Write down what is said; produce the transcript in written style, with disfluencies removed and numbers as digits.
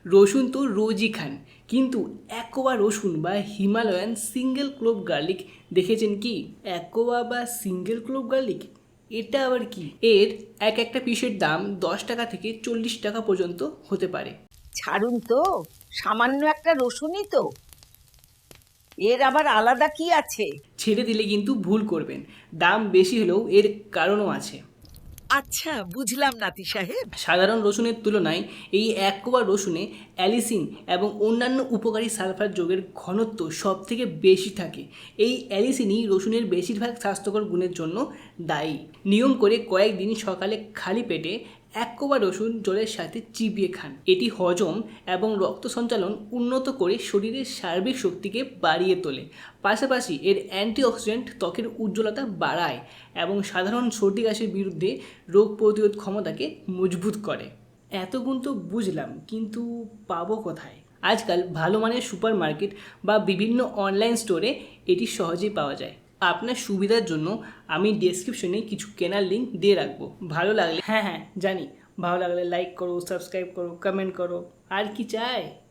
রসুন তো রোজই খান, কিন্তু অ্যাকোয়া রসুন বা হিমালয়ান সিঙ্গেল ক্লোভ গার্লিক দেখেছেন কি? অ্যাকোয়া বা সিঙ্গেল ক্লোভ গার্লিক, এটা আবার কি? এর একটা পিসের দাম 10 টাকা থেকে 40 টাকা পর্যন্ত হতে পারে। ছাড়ুন তো, সামান্য একটা রসুনই তো, এর আবার আলাদা কি আছে? ছেড়ে দিলে কিন্তু ভুল করবেন, দাম বেশি হলেও এর কারণও আছে। আচ্ছা, বুঝলাম নাতি সাহেব। সাধারণ রসুনের তুলনায় এই অ্যাকোয়া রসুনে অ্যালিসিন এবং অন্যান্য উপকারী সালফার যোগের ঘনত্ব সব থেকে বেশি থাকে। এই অ্যালিসিনই রসুনের বেশিরভাগ স্বাস্থ্যকর গুণের জন্য দায়ী। নিয়ম করে কয়েকদিন সকালে খালি পেটে অ্যাকোয়া রসুন জলের সাথে চিবিয়ে খান। এটি হজম এবং রক্ত সঞ্চালন উন্নত করে শরীরের সার্বিক শক্তিকে বাড়িয়ে তোলে। পাশাপাশি এর অ্যান্টিঅক্সিডেন্ট ত্বকের উজ্জ্বলতা বাড়ায় এবং সাধারণ সর্দি কাশির বিরুদ্ধে রোগ প্রতিরোধ ক্ষমতাকে মজবুত করে। এত গুণ তো বুঝলাম, কিন্তু পাবো কোথায়? আজকাল ভালো মানের সুপার মার্কেট বা বিভিন্ন অনলাইন স্টোরে এটি সহজেই পাওয়া যায়। আপনার সুবিধার জন্য আমি ডেসক্রিপশনে কিছু কেনার লিঙ্ক দিয়ে রাখবো। ভালো লাগলে, হ্যাঁ জানি, ভালো লাগলে লাইক করো, সাবস্ক্রাইব করো, কমেন্ট করো, আর কি চাই।